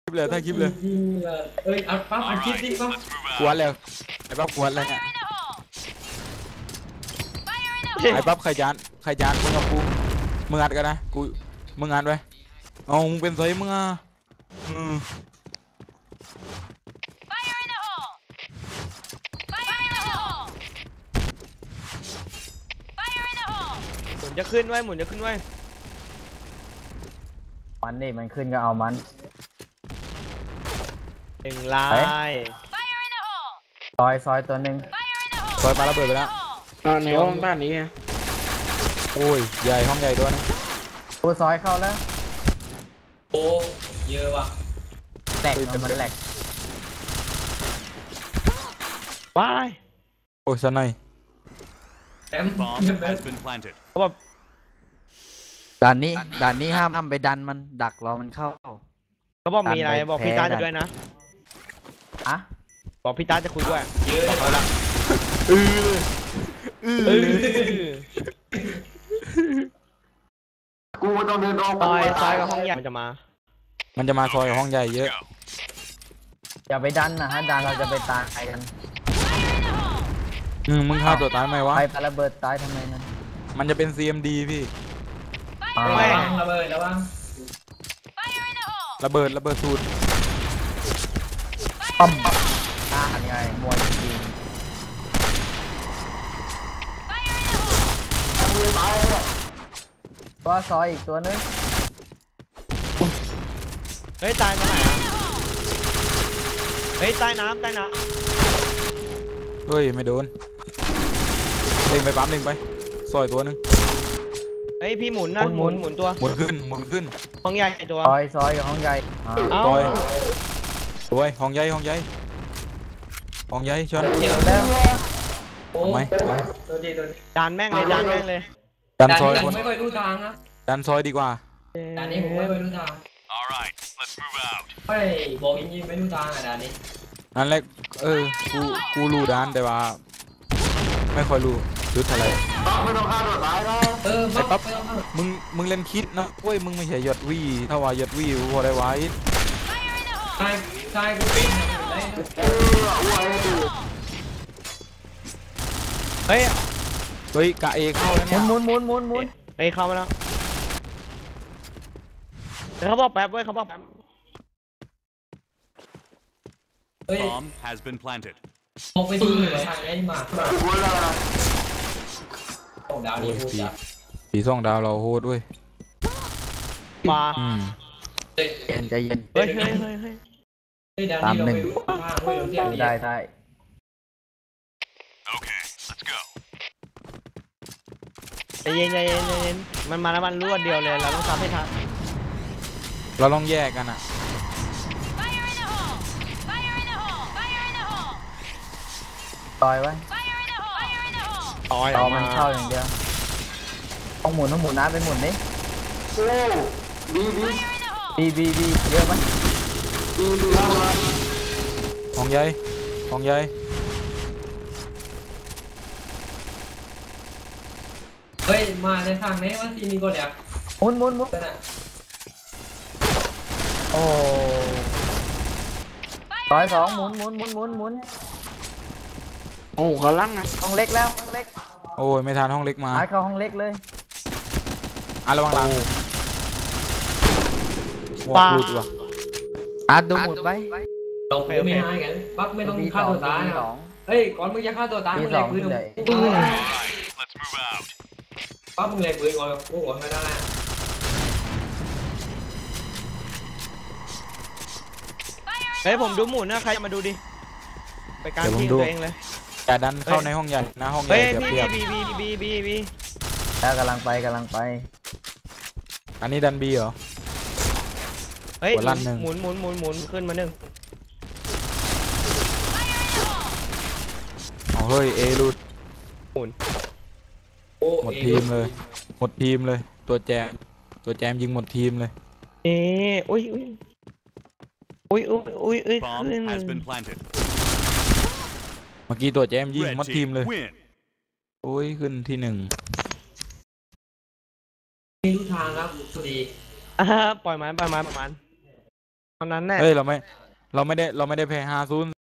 คลิปเลยถ่ายคลิปเลยจริงเลยเอ้ยอัดปั๊บอัดคลิปดิปั๊บกวนแล้วไอ้ปั๊บกวนแล้วเนี่ยไอ้ปั๊บใครจานมึงกับกูมึงอัดกันนะกูมึงอัดไว้เอามึงเป็นไซมึงอ่ะอืมหมุนจะขึ้นไว้หมุนจะขึ้นไว้มันนี่มันขึ้นก็เอามันหนึ่งลายซอยตัวหนึ่งซอยปาระเบิดไปแล้วในห้องบ้านนี้ไงโอ้ยใหญ่ห้องใหญ่ด้วยนะกูซอยเข้าแล้วโอ้เยอะว่ะแหลกมันแหลกว้ายโอ้ยสนายแอมเขาแบบด่านนี้ห้ามไปดันมันดักรอมันเข้าเขาบอกมีอะไรบอกพี่ตาจะด้วยนะอะบอกพี่ตาจะคุยด้วยเยอะเขาละกูต้องเดินออกซอยกับห้องใหญ่มันจะมาซอยกับห้องใหญ่เยอะอย่าไปดันนะฮะดันเราจะไปตายกันมึงฆ่าตัวตายไหมวะไประเบิดตายทำไมนั่นมันจะเป็น CMD พี่ระเบิดแล้วบ้างระเบิดสูตรปั๊มอันนี้ไงมวยจริงตัวซอยอีกตัวนึงเฮ้ยตายมาไหนอ่ะเฮ้ยใต้น้ำเฮ้ยไม่โดนเล่งไปปั๊มเล่งไปซอยตัวนึงเฮ้ยพี่หมุนนะหมุนตัวหมุนขึ้นห้องใหญ่ตัวซอยกับห้องใหญ่ซอยห้องใหญ่ชนเดี๋ยวแล้วทำไมดันแม่งเลยดันซอยไม่ค่อยรู้ทางนะดันซอยดีกว่าด่านนี้ผมไม่ค่อยรู้ทางไม่บอกจริงๆไม่รู้ทางอ่ะด่านนี้นั่นแหละกูรู้ด้านแต่ว่าไม่ค่อยรู้รู้อะไรไม่ต้องฆ่าตัวตายนะไอ้ปั๊บมึงเล่นคิดนะเว้ยมึงไม่ใช่ยอดวีถ้าว่ายอดวีพอได้ไว้ใช่กูปิ้งเฮ้ยกะเอเข้าแล้วเนี่ยหมุนเฮ้ยเข้ามาแล้วเดี๋ยวเขาบอกแป๊บ Bomb has been planted มองไปดูเลยทางนี้มาดาวนี้พูดจ้ะปี2 ดาวเราโหดด้วยมาใจเย็นเฮ้ยตาม1ได้ใจเย็นมันมาแล้วมันรวดเดียวเลยเราต้องทำให้ทันเราต้องแยกกันอ่ะต่อยไว้ต่อมันเข้าอย่างเดียวต้องหมุนน้ำไปหมุนนี่บีเยอะไหมห้องใหญ่เฮ้ยมาในทางไหนวะทีนี้ก็เดี๋ยวหมุนโอ้ซอย2หมุนโอ้เขาลั่งนะห้องเล็กแล้วห้องเล็กโอ้ยไม่ทันห้องเล็กมาเข้าห้องเล็กเลยระวังหลังปลาดูหมุดไว้ลงไปไม่ให้กันปั๊บไม่ต้องฆ่าตัวตายเฮ้ยก่อนมึงจะฆ่าตัวตายมึงเล็กปืนปั๊บมึงเล็กปืนก่อนกูหัวไม่ได้เฮ้ยผมดูหมุนนะใครมาดูดิไปการทีมตัวเองเลยแต่ดันเข้าในห้องใหญ่นะห้องใหญ่เปรียบบีแล้วกำลังไปอันนี้ดันบีเหรอเฮ้ยหมุนขึ้นมา1 เฮ้ยเอรูดหมุนหมดทีมเลยตัวแจมยิงหมดทีมเลยอุ้ยเมื่อกี้ตัวแจมยิงหมดทีมเลยโอ้ยขึ้นที่1 ไม่รู้ทางครับสวัสดีปล่อยมันตอนนั้นแน่เฮ้ยเราไม่ได้แพ้50